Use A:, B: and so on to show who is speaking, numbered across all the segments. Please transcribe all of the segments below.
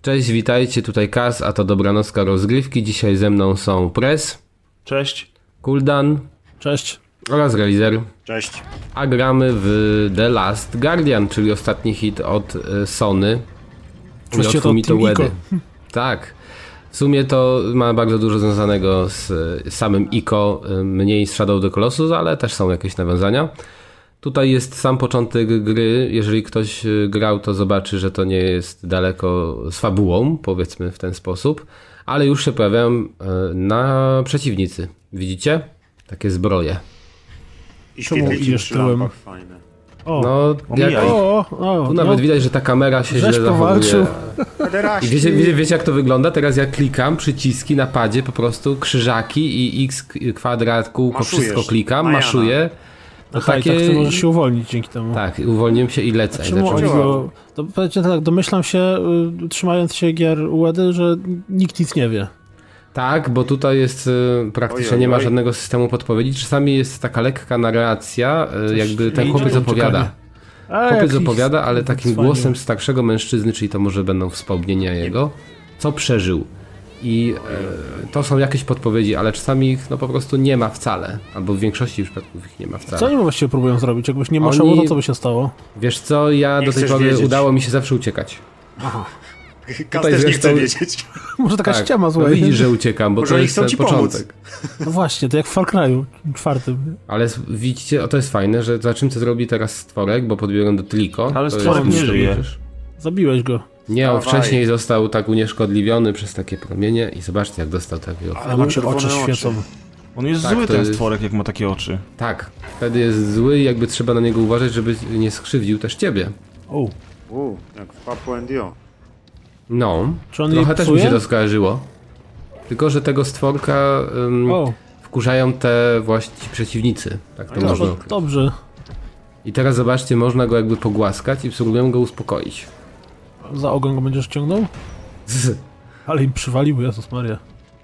A: Cześć, witajcie, tutaj Kaz, a to Dobranocka Rozgrywki. Dzisiaj ze mną są Press,
B: Cześć.
A: Kuldan
C: Cześć.
A: oraz Razer.
B: Cześć.
A: A gramy w The Last Guardian, czyli ostatni hit od Sony.
C: Właściwie to
A: Fumito
C: Team
A: Uedy.
C: Ico.
A: Tak. W sumie to ma bardzo dużo związanego z samym Ico, mniej z Shadow of the Colossus, ale też są jakieś nawiązania. Tutaj jest sam początek gry. Jeżeli ktoś grał, to zobaczy, że to nie jest daleko z fabułą, powiedzmy w ten sposób, ale już się pojawiają na przeciwnicy. Widzicie? Takie zbroje.
B: I
C: Czemu
B: świetliki
C: idziesz
B: przy
C: tyłem?
B: lampach fajne.
C: O,
A: No, jak,
B: Omijaj.
A: tu nawet widać, że ta kamera się
C: Żeś
A: źle
C: powalczył.
A: zachowuje. I wiecie jak to wygląda? Teraz ja klikam, przyciski na padzie, po prostu krzyżaki i x, kwadrat, kółko,
B: Maszujesz.
A: wszystko klikam,
B: Majana.
A: maszuję. To
C: Aha, i tak ty możesz się uwolnić dzięki temu.
A: Tak, uwolniłem się i lecę. I
C: Czemu
A: zacząłem-
C: oni go... To, powiedzcie tak, domyślam się, trzymając się gier Uedy, że nikt nic nie wie.
A: Tak, bo tutaj jest praktycznie
B: Oj,
A: nie ma
B: oj.
A: żadnego systemu podpowiedzi. Czasami jest taka lekka narracja, jakby ten
C: idzie,
A: chłopiec
C: czekanie.
A: opowiada.
C: A,
A: Chłopiec
C: jakiś
A: opowiada, ale takim
C: cwaniu.
A: głosem starszego mężczyzny, czyli to może będą wspomnienia jego, co przeżył. I to są jakieś podpowiedzi, ale czasami ich no po prostu nie ma wcale. Albo w większości przypadków ich nie ma
C: Co
A: wcale.
C: oni właściwie próbują zrobić? Jakbyś nie maszało,
A: Oni-
C: to co by się stało?
A: Wiesz co, ja
B: Nie
A: do tej
B: chcesz
A: pory
B: wiedzieć.
A: udało mi się zawsze uciekać.
B: Kas
A: Tutaj
B: też nie chce
A: zresztą-
B: wiedzieć.
C: Może taka
A: Tak,
C: ściema
A: no
C: zła.
A: widzisz, że uciekam, bo
B: Może
A: to
B: oni
A: jest
B: chcą
A: ten
B: ci pomóc.
A: początek.
C: No właśnie, to jak w Far Cry'u 4.
A: Ale widzicie, o to jest fajne, że zobaczymy co zrobi teraz stworek, bo podbiegłem do Trico.
B: Ale
A: To
B: stworek
A: jest-
B: nie żyje.
C: Zabiłeś go.
A: Nie, on
B: Dawaj.
A: wcześniej został tak unieszkodliwiony przez takie promienie i zobaczcie jak dostał takiego.
C: Ale mu się
B: czerwone
C: oczy
B: oczy.
C: świecą.
D: On jest
A: Tak,
D: zły
A: to
D: ten
A: jest-
D: stworek, jak ma takie oczy.
A: Tak, wtedy jest zły i jakby trzeba na niego uważać, żeby nie skrzywdził też ciebie.
C: O,
B: Jak w Papu Dio.
A: No,
C: czy on
A: trochę
C: jej
A: też mi się
C: psuje?
A: to skojarzyło. Tylko, że tego stworka
C: O,
A: wkurzają te właśnie przeciwnicy. Tak to
B: No
A: można
C: to
A: określić.
C: dobrze.
A: I teraz zobaczcie, można go jakby pogłaskać i spróbuję go uspokoić.
C: Za ogon go będziesz ciągnął? Ale im przywalił, Jezus Maria.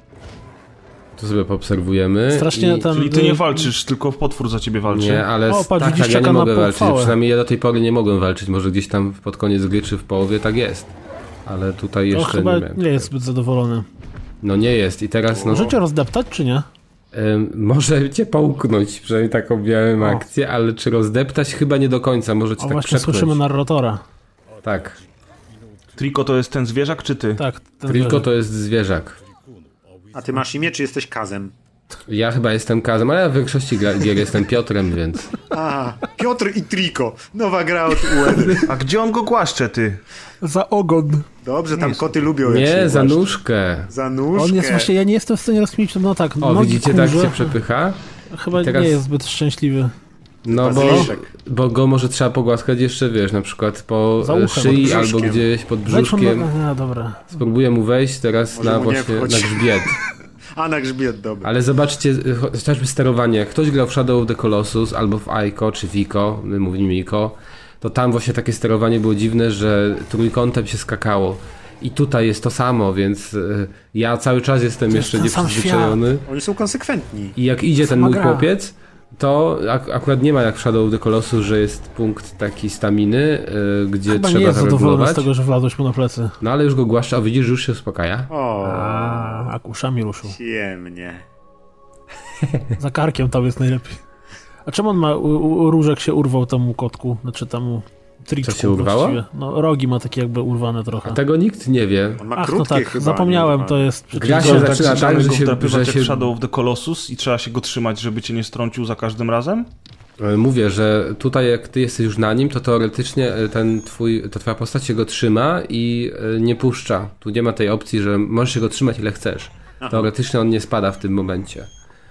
A: To sobie poobserwujemy.
C: Strasznie
A: i...
C: ten...
D: Czyli ty nie walczysz, tylko potwór za ciebie walczy.
A: Nie, ale
C: O, patrz,
A: tak,
C: widzisz,
A: ja nie
C: czeka na
A: mogę walczyć.
C: pochwałę.
A: Przynajmniej ja do tej pory nie mogłem walczyć. Może gdzieś tam pod koniec gry czy w połowie tak jest. Ale tutaj
C: To
A: jeszcze
C: chyba
A: nie miałem.
C: nie jest zbyt zadowolony.
A: No nie jest i teraz no,
C: Możecie rozdeptać, czy nie?
A: może cię połknąć, przynajmniej taką miałem akcję, ale czy rozdeptać chyba nie do końca, może cię
C: O,
A: tak
C: właśnie
A: przepchnąć.
C: słyszymy narratora.
A: Tak,
D: Triko to jest ten zwierzak, czy ty?
C: Tak, ten
A: tylko
C: leży.
A: to jest zwierzak.
B: A ty masz imię, czy jesteś Kazem?
A: Ja chyba jestem Kazem, ale ja w większości gier jestem Piotrem, więc...
B: A, Piotr i Triko. Nowa gra od Uedy.
D: A gdzie on go głaszcze, ty?
C: Za ogon.
B: Dobrze, tam koty lubią jak się
A: Nie, za
B: głaszcze.
A: nóżkę.
B: Za nóżkę.
C: On jest właśnie, ja nie jestem w stanie rozkminić, no tak,
A: O,
C: nogi
A: widzicie, tak
C: kurze.
A: się przepycha?
C: Chyba
A: teraz-
C: nie jest zbyt szczęśliwy.
A: No bo,
B: Bazyliszek.
A: bo go może trzeba pogłaskać jeszcze, wiesz, na przykład po
C: Za uchem,
A: szyi
B: pod
A: albo
B: brzuszkiem.
A: gdzieś pod
C: Wejdź mu
A: brzuszkiem.
C: no, dobra.
A: Spróbuję mu wejść teraz
B: Może
A: na
B: mu nie
A: właśnie na
B: wchodź.
A: grzbiet.
B: A, na grzbiet, dobra.
A: Ale zobaczcie, chociażby sterowanie. Jak ktoś grał w Shadow of the Colossus albo w Ico czy w Ico, my mówimy Ico, to tam właśnie takie sterowanie było dziwne, że trójkątem się skakało. I tutaj jest to samo, więc ja cały czas jestem
C: jest
A: jeszcze
C: ten sam
A: nieprzyzwyczajony.
B: Oni są konsekwentni.
A: I jak idzie ten
C: Sama
A: mój
C: gra.
A: chłopiec, to akurat nie ma jak w Shadow of the Colossus, że jest punkt taki staminy, gdzie
C: Chyba nie
A: trzeba
C: jest zadowolony z
A: zaregulować.
C: tego, że wlazłeś mu na plecy.
A: No ale już go głaszcza, a widzisz, że już się uspokaja.
B: O,
C: A uszami ruszył.
B: ciemnie.
C: Za karkiem tam jest najlepiej. A czemu on ma, różek się urwał temu kotku, znaczy temu triczku
A: Co się urwało?
C: właściwie? No rogi ma takie jakby urwane trochę.
A: A tego nikt nie wie.
B: On ma
C: Ach, no
B: krótkie
C: tak,
B: chyba.
C: zapomniałem,
B: nie?
C: to jest przecież...
A: Gra się
D: Go
A: zaczyna tak,
D: zaczynamy
A: że
D: go
A: się-
D: wdrapywać
A: że się-
D: jak Shadow of the Colossus i trzeba się go trzymać, żeby cię nie strącił za każdym razem?
A: Mówię, że tutaj jak ty jesteś już na nim, to teoretycznie ta twoja postać się go trzyma i nie puszcza. Tu nie ma tej opcji, że możesz się go trzymać ile chcesz. Teoretycznie on nie spada w tym momencie.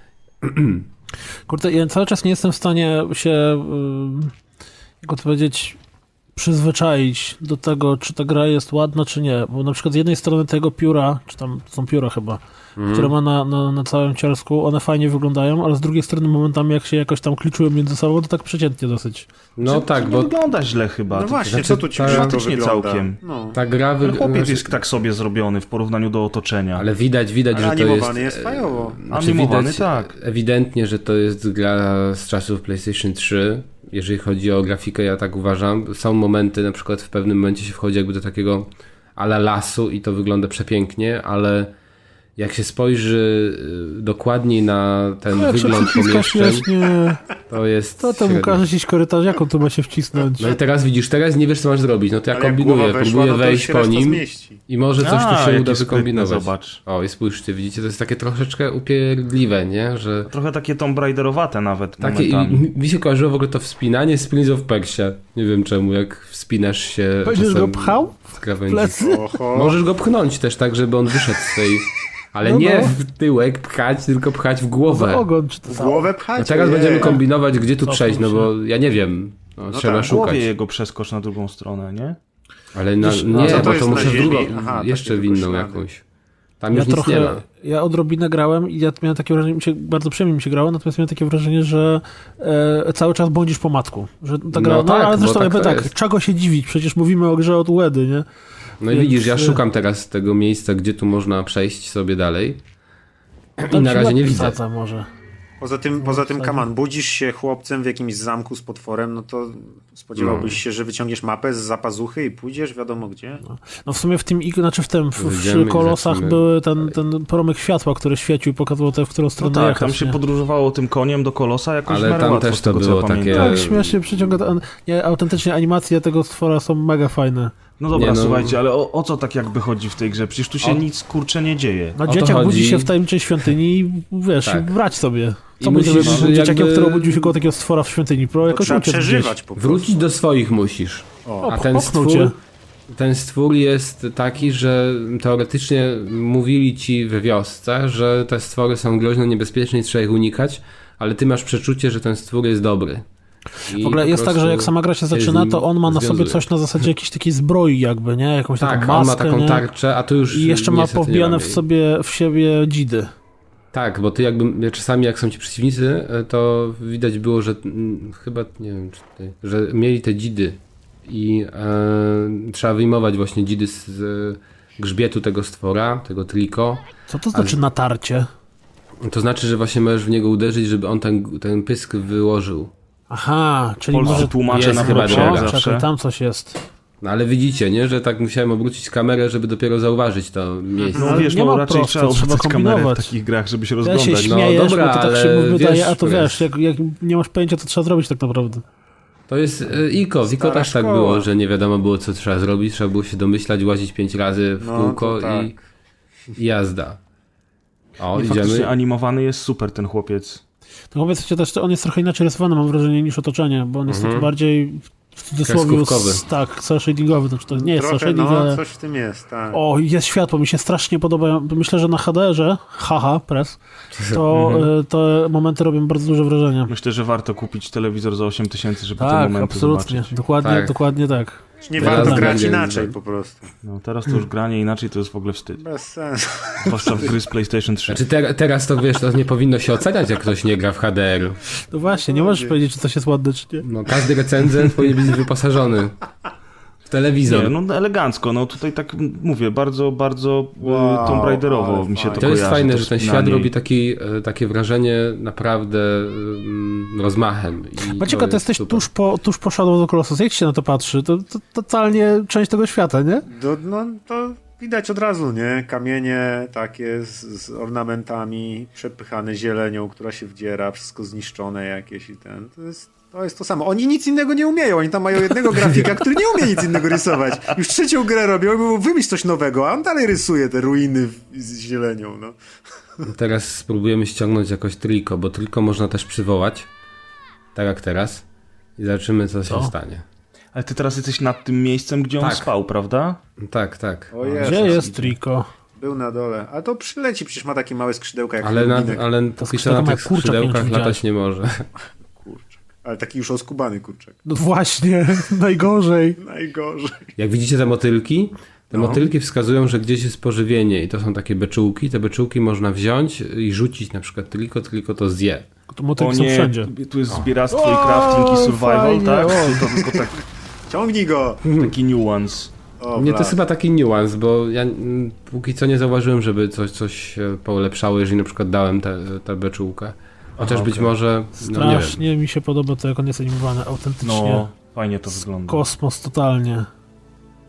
C: Kurde, ja cały czas nie jestem w stanie się, jak to powiedzieć, przyzwyczaić do tego, czy ta gra jest ładna, czy nie. Bo na przykład z jednej strony tego pióra, czy tam to są pióra chyba, które ma na całym cielsku, one fajnie wyglądają, ale z drugiej strony momentami jak się jakoś tam kliczują między sobą, to tak przeciętnie dosyć.
A: No tak,
D: nie
A: bo
D: wygląda źle chyba.
B: No
D: tylko
B: właśnie,
A: znaczy,
B: co tu ci
A: ta-
B: brzydko
D: Dramatycznie
B: wygląda?
D: całkiem.
B: No.
A: ta gra
D: Ten chłopiec
A: wygląda...
D: jest tak sobie zrobiony w porównaniu do otoczenia.
A: Ale widać,
B: Ale
A: że to
B: animowany
A: jest...
B: jest fajowo.
D: Animowany,
A: widać
D: tak.
A: ewidentnie, że to jest gra z czasów PlayStation 3. Jeżeli chodzi o grafikę, ja tak uważam. Są momenty, na przykład w pewnym momencie się wchodzi jakby do takiego ala lasu i to wygląda przepięknie, ale jak się spojrzy dokładniej na ten wygląd pomieszczeń,
C: śmiesznie.
A: to jest
C: To temu
A: średnio.
C: każe iść korytarz, jak on tu ma się wcisnąć?
A: No i teraz widzisz, teraz nie wiesz co masz zrobić, no to ja
B: Ale jak
A: kombinuję,
B: głowa weszła,
A: próbuję
B: no to
A: wejść
B: się
A: po
B: reszta
A: nim
B: zmieści.
A: i może coś tu się
D: jakie
A: uda
D: sprytne,
A: wykombinować.
D: zobacz.
A: O i spójrzcie, widzicie, to jest takie troszeczkę upierdliwe, nie, że...
D: Trochę takie Tomb Raiderowate nawet
A: Takie, i
D: momentami.
A: mi się kojarzyło w ogóle to wspinanie z Prince of Persia. Nie wiem czemu, jak wspinasz się
C: Będziesz
A: czasem
C: go pchał?
A: z krawędzi.
C: Plecy?
B: Oho.
A: Możesz go pchnąć też tak, żeby on wyszedł z tej... Ale
C: No,
A: nie
C: no.
A: w tyłek pchać, tylko pchać w
C: Za
A: głowę.
C: ogon, czy to
B: W
C: samo?
B: głowę pchać?
A: No teraz
B: Ojej.
A: będziemy kombinować, gdzie tu
C: Cofnął
A: przejść, no
C: się.
A: bo ja nie wiem. No, trzeba
B: tak,
D: W
A: szukać.
D: głowie jego przeskocz na drugą stronę, nie?
A: Ale na,
C: Wiesz,
A: nie,
B: co to
A: bo
B: jest
A: to
B: na
A: muszę w
B: ziemi?
A: drugą,
B: Aha,
A: jeszcze
B: takie
A: w inną
B: tylko ślady.
A: jakąś. Tam już nic nie ma.
C: Ja odrobinę grałem i ja miałem takie wrażenie, bardzo przyjemnie mi się grało, natomiast miałem takie wrażenie, że cały czas błądzisz po matku. Że ta gra,
A: No tak,
C: ale
A: bo
C: zresztą
A: tak
C: jakby
A: to
C: tak,
A: jest.
C: czego się dziwić, przecież mówimy o grze od Łedy, nie?
A: No i
C: Więc,
A: widzisz, ja szukam teraz tego miejsca, gdzie tu można przejść sobie dalej. I na
C: Ci
A: razie nie
C: łeb
A: widzę.
C: wsadza może.
B: Poza tym, Kaman, budzisz się chłopcem w jakimś zamku z potworem, no to spodziewałbyś się, że wyciągniesz mapę z zapazuchy i pójdziesz wiadomo gdzie.
C: No w sumie w tym, znaczy
A: Wyjdziemy
C: przy
A: i
C: kolosach
A: zaczniemy.
C: były ten promyk światła, który świecił i pokazywał te, w którą
D: No
C: stronę
D: tak,
C: jechać,
D: tam się
C: nie?
D: podróżowało tym koniem do kolosa jakoś
A: Ale
D: w miarę
A: tam
D: łatwo,
A: też
D: z
A: to
D: tego, co
A: było
D: ja
A: takie-
D: pamiętam.
C: Tak, śmiesznie przyciąga. Nie, autentycznie animacje tego stwora są mega fajne.
D: No dobra,
A: Nie, no.
D: słuchajcie, ale o co tak jakby chodzi w tej grze? Przecież tu się
A: O-
D: nic kurcze nie dzieje.
C: No
A: to
C: dzieciak
A: chodzi.
C: budzi się w tajemniczej świątyni i wiesz,
A: Tak.
C: brać sobie. Co
A: I
C: będzie
A: musisz
C: robił dzieciakiem,
A: jakby-
C: który obudził się koło takiego stwora w świątyni? Pro
B: To
C: jakoś
B: trzeba
C: uciec
B: przeżywać po prostu.
A: Wrócić do swoich musisz.
B: O,
A: A ten
C: popchnął
A: stwór,
C: cię.
A: ten stwór jest taki, że teoretycznie mówili ci we wiosce, że te stwory są groźne, niebezpieczne i trzeba ich unikać, ale ty masz przeczucie, że ten stwór jest dobry. I
C: W ogóle
A: po
C: jest tak, że
A: prostu
C: jak sama gra się
A: z
C: zaczyna,
A: nim
C: to on ma na sobie
A: związuje.
C: coś na zasadzie jakiejś takiej zbroi jakby, nie? Jakąś
A: Tak,
C: taką
A: on ma
C: maskę,
A: taką
C: nie?
A: tarczę, a tu już
C: I jeszcze ma
A: niestety nie
C: powbijane
A: mamy.
C: w siebie dzidy.
A: Tak, bo ty jakby czasami jak są ci przeciwnicy, to widać było, że chyba, nie wiem, czy tutaj, że mieli te dzidy i trzeba wyjmować właśnie dzidy z grzbietu tego stwora, tego triko.
C: Co to znaczy natarcie?
A: To znaczy, że właśnie możesz w niego uderzyć, żeby on ten pysk wyłożył.
C: Aha, czyli
D: Polscy
C: może...
D: tłumacze
A: jest
D: na
A: chyba
D: propsie
A: droga.
D: jak
C: O,
D: zawsze.
C: czekaj, tam coś jest.
A: No ale widzicie, nie, że tak musiałem obrócić kamerę, żeby dopiero zauważyć to miejsce.
D: No
C: Ale
D: wiesz,
C: nie
D: no
C: ma
D: raczej
C: prosto,
D: trzeba
C: trzeba
D: odwracać kamerę w
C: kombinować.
D: takich grach, żeby się
C: Ja się
D: rozglądać.
A: No
C: śmiejesz,
A: dobra,
C: bo to tak się
A: ale
C: wydaje,
A: wiesz,
C: a to
A: które
C: wiesz, jak nie masz pojęcia, to trzeba zrobić tak naprawdę.
A: To jest Iko. W Iko
B: Stara
A: też tak
B: szkoła.
A: było, że nie wiadomo było, co trzeba zrobić. Trzeba było się domyślać, łazić 5 razy w
B: No,
A: kółko
B: to tak.
A: i jazda. O,
D: I
A: idziemy.
D: faktycznie animowany jest super ten chłopiec.
C: No powiedzcie też, on jest trochę inaczej rysowany, mam wrażenie, niż otoczenie, bo on jest taki bardziej w cudzysłowie
A: Kreskówkowy.
C: tak, cel shadingowy, znaczy to nie jest cel
B: trochę,
C: shading,
B: no
C: ale...
B: coś w tym jest, tak.
C: O, jest światło, mi się strasznie podoba. Myślę, że na HDR-ze, haha, press, to te momenty robią bardzo duże wrażenie.
D: Myślę, że warto kupić telewizor za 8000, żeby te
C: Tak,
D: momenty
C: absolutnie,
D: zobaczyć.
C: dokładnie,
A: Tak.
C: dokładnie tak.
B: Nie
A: Teraz
B: warto grać
A: będzie-
B: inaczej po prostu.
D: No, teraz to już granie inaczej to jest w ogóle wstyd.
B: Bez sensu.
D: Zwłaszcza w gry z PlayStation 3.
A: Znaczy teraz to wiesz, to nie powinno się oceniać, jak ktoś nie gra w HDR.
C: No właśnie, nie możesz powiedzieć, czy coś jest ładne, czy nie.
A: No, każdy recenzent powinien być wyposażony w telewizor.
D: Nie, no elegancko, no tutaj tak mówię, bardzo, bardzo
B: Wow,
D: Tomb Raiderowo
B: ale
D: mi się to
B: fajnie.
A: To jest
D: kojarzy,
A: fajne,
D: to
A: że ten
D: wspinanie
A: świat
D: i-
A: robi takie wrażenie naprawdę rozmachem. I
C: Macieka, ty
A: jest
C: jesteś
A: super.
C: tuż po Shadow of the Colossus. Jak się na to patrzy? To totalnie część tego świata, nie?
B: No to widać od razu, nie? Kamienie takie z ornamentami, przepychane zielenią, która się wdziera, wszystko zniszczone jakieś i ten. To jest to samo. Oni nic innego nie umieją. Oni tam mają jednego grafika, który nie umie nic innego rysować. Już trzecią grę robią i mówią, wymyśl coś nowego, a on dalej rysuje te ruiny z zielenią, no.
A: Teraz spróbujemy ściągnąć jakoś triko, bo triko można też przywołać. Tak jak teraz. I zobaczymy, co się stanie.
D: Ale ty teraz jesteś nad tym miejscem, gdzie on
A: Tak.
D: spał, prawda?
A: Tak, tak.
B: O Jezus,
C: Gdzie jest Triko?
B: Był na dole. A to przyleci, przecież ma takie małe skrzydełka jak
A: Ale
B: Lubinek.
A: póki co
C: skrzydła
A: na
C: ma
A: tych
C: kurczak, nie wiem,
A: skrzydełkach
C: czy
A: latać
C: widziałeś.
A: nie może.
B: Kurczak. Ale taki już oskubany kurczak.
C: No właśnie, najgorzej.
B: Najgorzej.
A: Jak widzicie te motylki, te
B: No.
A: motylki wskazują, że gdzieś jest pożywienie i to są takie beczułki. Te beczułki można wziąć i rzucić na przykład tylko to zje.
C: To motylki są wszędzie.
D: tu jest zbieractwo i crafting i survival,
C: fajnie,
D: tak?
C: o.
D: To tylko
B: Ciągnij go!
D: taki nuance.
B: O,
A: Nie, to jest
B: blat.
A: chyba taki niuans, bo ja póki co nie zauważyłem, żeby coś się polepszało, jeżeli na przykład dałem tę beczułkę. Chociaż być
D: okej.
A: może, no nie wiem.
C: Strasznie mi się podoba to, jak on jest animowany, autentycznie.
D: No, fajnie to wygląda.
C: Kosmos totalnie.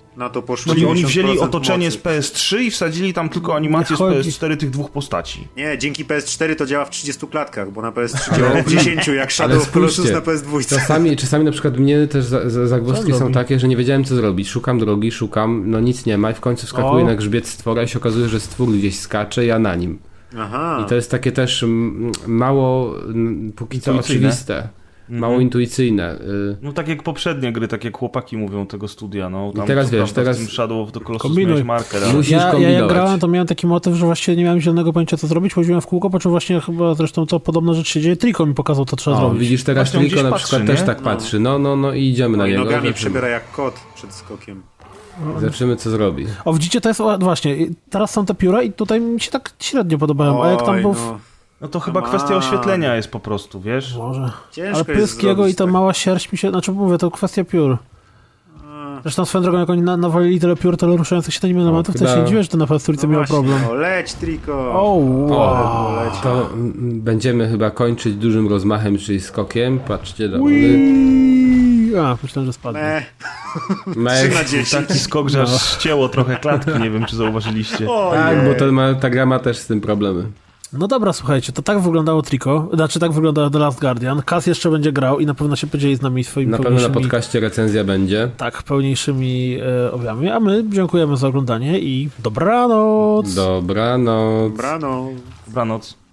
B: Na to poszło
D: Czyli oni
B: 90%
D: wzięli otoczenie
B: mocy.
D: z PS3 i wsadzili tam tylko animację z
C: chodzi-
D: PS4 tych dwóch postaci.
B: Nie, dzięki PS4 to działa w 30 klatkach, bo na PS3 działa w 10, jak Shadow
A: Ale
B: of Colossus
A: spójrzcie,
B: na PS2.
A: Czasami na przykład mnie też zagwozdki
C: Co
A: są
C: robi?
A: takie, że nie wiedziałem co zrobić. Szukam drogi, no nic nie ma i w końcu wskakuję
C: O.
A: na grzbiet stwora i się okazuje, że stwór gdzieś skacze, ja na nim.
B: Aha.
A: I to jest takie też mało, póki co
D: Intuicyjne.
A: oczywiste. Mało intuicyjne.
D: No tak jak poprzednie gry, tak jak chłopaki mówią tego studia, no. Tam,
A: teraz
D: co
A: wiesz,
D: prawda
A: teraz
D: w tym Shadow of the Colossus
C: kombinuj.
D: miałeś marker, ale...
A: Musisz
C: Ja jak
A: kombinować.
C: grałem, to miałem taki motyw, że właściwie nie miałem zielonego pojęcia, co zrobić, chodziłem w kółko, po czym właśnie chyba zresztą to podobna rzecz się dzieje, Trico mi pokazał, co trzeba
A: O,
C: zrobić.
A: widzisz, teraz
D: Właśnie on
A: Triko na
D: gdzieś
A: przykład
D: patrzy,
A: też
D: nie?
A: tak patrzy. No i idziemy na
B: No i
A: niego.
B: nogami
A: Zobaczymy.
B: przebiera jak kot przed skokiem.
A: Zobaczymy co zrobi.
C: O, widzicie, to jest właśnie, teraz są te pióra i tutaj mi się tak średnio podobają, a jak tam
B: Oj,
C: był...
B: no.
D: No to chyba
B: Come
D: kwestia
B: on.
D: oświetlenia jest po prostu, wiesz?
C: Może.
B: Ciężko
C: Ale
B: jest
C: pysk jego
B: zrobić
C: i ta
B: tak.
C: mała sierść mi się, znaczy mówię, to kwestia piór. Zresztą swoją drogą, jak oni nawalili tyle piór, tyle ruszających się na elementów, to ja się
A: chyba-
C: nie dziwię, że to na PS4 miał
B: właśnie,
C: problem.
B: O, leć, Trico!
C: O, wow.
B: leci.
A: To będziemy chyba kończyć dużym rozmachem, czyli skokiem. Patrzcie, dowody.
C: Ui. A, myślałem, że spadnie.
B: Me. 3 na 10.
D: Taki skok, że aż ścięło trochę klatki, nie wiem czy zauważyliście.
A: Tak,
B: Ojej.
A: bo ta gra ma też z tym problemy.
C: No dobra, słuchajcie, to tak wyglądało Trico, znaczy tak wygląda The Last Guardian. Kaz jeszcze będzie grał i na pewno się podzieli z nami swoimi
A: Na pewno na
C: pełniejszymi,
A: podcaście recenzja będzie.
C: tak, pełniejszymi objawami, a my dziękujemy za oglądanie i dobranoc!
A: Dobranoc.
B: Brano.
D: Dobranoc.